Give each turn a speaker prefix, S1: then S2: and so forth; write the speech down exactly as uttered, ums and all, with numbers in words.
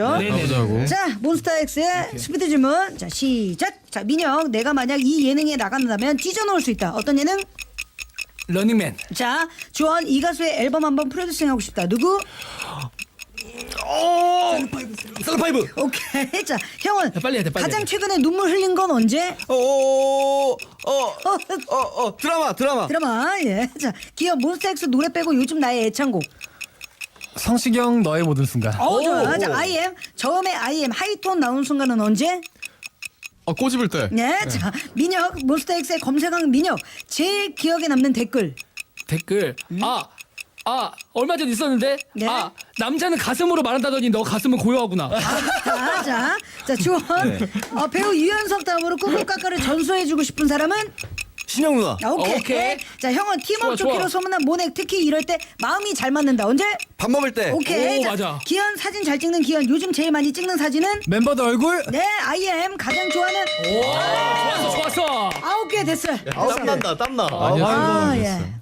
S1: 가보자고.
S2: 자, 몬스타엑스의 스피드 질문. 자, 시작. 자, 민혁, 내가 만약 이 예능에 나간다면 찢어놓을 수 있다. 어떤 예능?
S3: 러닝맨.
S2: 자, 주원, 이 가수의 앨범 한번 프로듀싱하고 싶다. 누구?
S1: 오! 셀파이브.
S2: 오케이. 자, 형은
S3: 빨리 해야 돼, 빨리
S2: 가장
S3: 해야 돼.
S2: 최근에 눈물 흘린 건 언제?
S1: 오! 어, 어, 어, 드라마, 드라마.
S2: 드라마. 예. 자, 기업 몬스타엑스 노래 빼고 요즘 나의 애창곡.
S3: 성시경 너의 모든 순간.
S2: 어, 좋아.
S1: 오.
S2: 자, 아이엠. 처음에 아이엠 하이톤 나온 순간은 언제?
S1: 어, 꼬집을 때.
S2: 네. 자, 민혁, 몬스타엑스의 검색왕 민혁. 제일 기억에 남는 댓글.
S3: 댓글. 아, 아 얼마 전 있었는데.
S2: 네.
S3: 아 남자는 가슴으로 말한다더니 너 가슴은 고요하구나.
S2: 자, 자, 자, 주원. 어, 배우 유연석 다음으로 꾸꾸까까를 전수해주고 싶은 사람은?
S1: 신영 누나.
S2: 아, 오케이.
S3: 오케이.
S2: 자, 형은 팀워크
S3: 좋아,
S2: 좋기로
S3: 좋아.
S2: 소문난 모넥. 특히 이럴 때 마음이 잘 맞는다. 언제?
S1: 밥 먹을 때.
S2: 오케이.
S3: 오,
S2: 자,
S3: 맞아.
S2: 기현 사진 잘 찍는 기현. 요즘 제일 많이 찍는 사진은?
S3: 멤버들 얼굴.
S2: 네, 아이엠 가장 좋아하는
S3: 좋았어, 좋았어.
S2: 아홉 개 됐어요.
S1: 땀난다, 땀나.
S2: 아, 예.